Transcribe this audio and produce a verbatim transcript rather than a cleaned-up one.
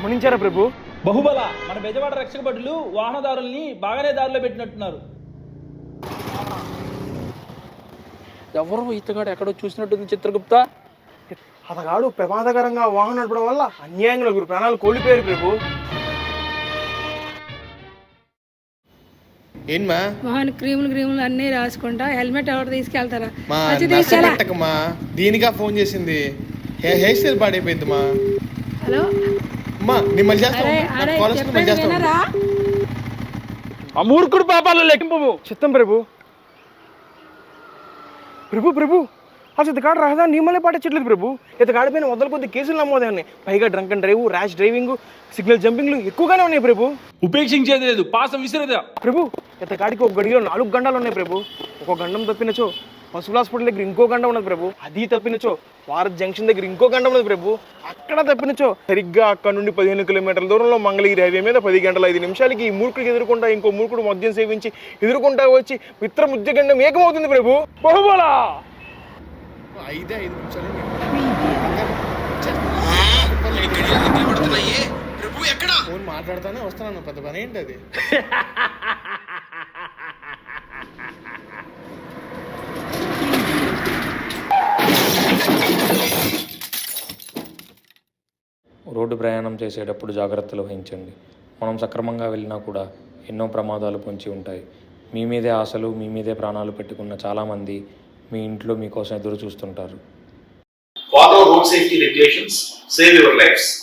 గమనించారా ప్రభు? బహుబల మన బెజవాడ రక్షక భటులు వాహనదారుల్ని బాగానే దారిలో పెట్టినట్టున్నారు. ఎవరో ఇతగాడు ఎక్కడో చూసినట్టుంది చిత్రగుప్త. అతగాడు ప్రమాదకరంగా వాహనం నడపడం వల్ల అన్యాయంగా నలుగురు ప్రాణాలు కోల్పోయారు ప్రభు. ఏంమా వాహన క్రీములు క్రీములు అన్నీ రాసుకుంటా హెల్మెట్ ఎవరు తీసుకెళ్తారా? మా నచ్చటక్కమ్మా దీనిగా ఫోన్ చేసింది. హెయిర్ స్టైల్ పాడైపోయింది మా. హలో అమ్మా నేను మళ్ళీ చేస్తాను. ఆ మూర్ఖుడు పాపాలను లెక్కింపు. చిత్తం ప్రభు. ప్రభు ప్రభు అసలు ఇతగాడు రహదారి నియమాలే పాటించట్లేదు ప్రభు. ఇతగాడిపైన వందల కొద్ది కేసులు నమోదయ్యాయి. పైగా drunk and drive, rash driving, signal జంపింగ్లు ఎక్కువగానే ఉన్నాయి ప్రభు. ఉపేక్షించేది లేదు, పాసం విసిరేదా ప్రభు. ఇతగాడికి ఒక గడిలో నాలుగు గంటలు ఉన్నాయి ప్రభు. ఒక గండం తప్పినచో పశువుల హాస్పిటల్ దగ్గర ఇంకో గంట ఉన్నది ప్రభు. అది తప్పినచో భారత్ జంక్షన్ దగ్గర ఇంకో గంట ఉన్నది ప్రభు. అక్కడ తప్పినచో సరిగ్గా అక్కడ నుండి పదిహేను కిలోమీటర్ల దూరంలో మంగళగిరి హైవే మీద పది గంటల ఐదు నిమిషాలకి ఈ మూర్ఖుడికి ఎదుర్కొంటా ఇంకో మూర్ఖుడు మద్యం సేవించి ఎదుర్కొంటా వచ్చి మిత్ర ముద్యగండం ఏకమవుతుంది ప్రభు. బహుబలా ఐదే ఐదు నిమిషాలు ఫోన్ మాట్లాడుతానే వస్తున్నాను. పెద్ద పని ఏంటి అది? రోడ్డు ప్రయాణం చేసేటప్పుడు జాగ్రత్తలు వహించండి. మనం సక్రమంగా వెళ్ళినా కూడా ఎన్నో ప్రమాదాలు పొంచి ఉంటాయి. మీ మీదే ఆశలు, మీ మీదే ప్రాణాలు పెట్టుకున్న చాలామంది మీ ఇంట్లో మీకోసం ఎదురు చూస్తుంటారు. Follow road safety regulations, save your lives.